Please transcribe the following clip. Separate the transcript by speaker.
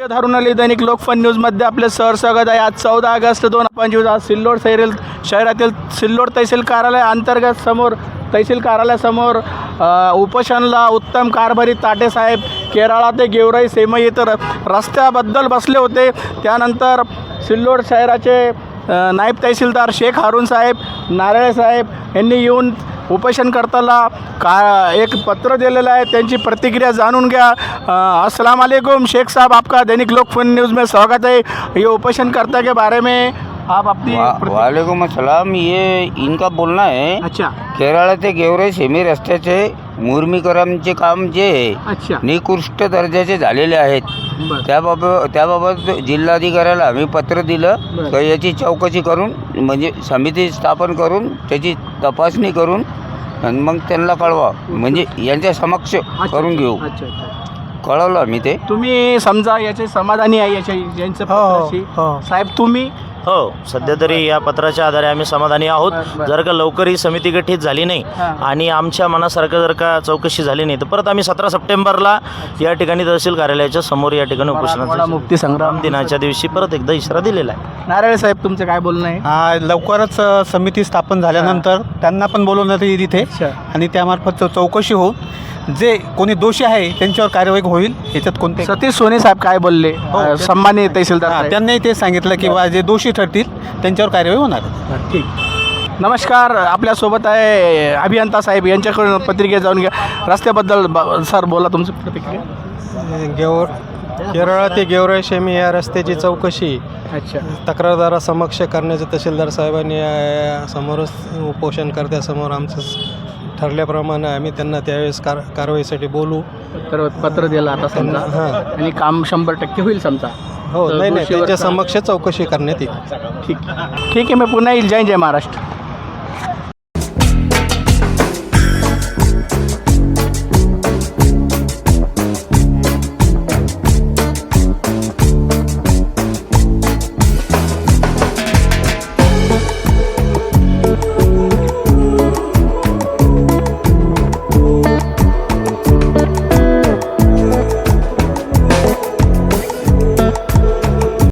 Speaker 1: धरून आली दैनिक लोकफन न्यूजमध्ये आपले सहर्स्वागत आहे। आज 14 ऑगस्ट 2025 आज सिल्लोड शहरातील सिल्लोड तहसील कार्यालय अंतर्गत समोर तहसील कार्यालयासमोर उपोषणला उत्तम कारभारी ताटेसाहेब केराळा ते गेवराई सेमई येथे रस्त्याबद्दल बसले होते। त्यानंतर सिल्लोड शहराचे नायब तहसीलदार शेख हारून साहेब नारळे साहेब यांनी येऊन उपोषणकर्त्याला एक पत्र दिलेलं है, त्यांची प्रतिक्रिया जाणून घ्या। अस्सलाम वालेकुम शेख साहब, आपका दैनिक लोकफन न्यूज़ में स्वागत है। ये उपोषणकर्ता के बारे में आप अपनी
Speaker 2: वालेकुम अस्सलाम। ये इनका बोलना है
Speaker 1: अच्छा
Speaker 2: केरळ ते गेवराई सेमी रस्त्याचे मुर्मीकरणचे काम जे
Speaker 1: अच्छा
Speaker 2: निकृष्ट दर्जाचे झालेले आहेत, त्याबाबत जिल्हाधिकाऱ्याला आम्ही पत्र दिलं तर याची चौकशी करून म्हणजे समिती स्थापन करून त्याची तपासणी करून आणि मग त्यांना कळवा म्हणजे यांच्या समक्ष करून घेऊ। कळवलं आम्ही ते।
Speaker 1: तुम्ही समजा याचे समाधानी आहे याच्या यांचं पत्राशी साहेब तुम्ही?
Speaker 3: हो, सध्या तरी या पत्राच्या आधारे आम्ही समाधानी आहोत। जर का लवकर ही समिती गठीत झाली नाही आणि आमच्या मनासारखं जर का चौकशी झाली नाही तर परत आम्ही 17 सप्टेंबरला या ठिकाणी तहसील कार्यालयाच्या समोर या ठिकाणी उपोषणाचा
Speaker 1: मुक्ती संग्राम
Speaker 3: दिनाच्या दिवशी परत एकदा इशारा दिलेला आहे।
Speaker 1: नारळे साहेब तुमचं काय बोलणं आहे?
Speaker 4: लवकरच समिती स्थापन झाल्यानंतर त्यांना पण बोलवण्यात येईल इथे आणि त्यामार्फत चौकशी होऊन जे कोणी दोषी आहे त्यांच्यावर कार्यवाही होईल। याच्यात कोणते
Speaker 1: सतीश सोने साहेब काय बोलले? सन्माननीय तहसीलदार
Speaker 4: त्यांनाही ते सांगितलं की बा जे दोषी ठरतील त्यांच्यावर कार्यवाही होणार।
Speaker 1: ठीक, नमस्कार, आपल्यासोबत आहे अभियंता साहेब, यांच्याकडून प्रतिक्रिया जाऊन घ्या रस्त्याबद्दल। सर बोला तुमची प्रतिक्रिया।
Speaker 5: केरळ ते गेवराई सेमी या रस्त्याची चौकशी
Speaker 1: अच्छा
Speaker 5: तक्रारदारासमक्ष करण्याचं तहसीलदार साहेबांनी समोरच उपोषणकर्त्यासमोर आमचं ठरल्याप्रमाणे आम्ही त्यांना त्यावेळेस कारवाईसाठी बोलू।
Speaker 1: तर पत्र दिलं आता समजा आणि काम 100% होईल समजा।
Speaker 5: हो, नाही त्यांच्या समक्ष चौकशी करण्यात येईल।
Speaker 1: ठीक आहे, मी पुन्हा येईल। जय जय महाराष्ट्र।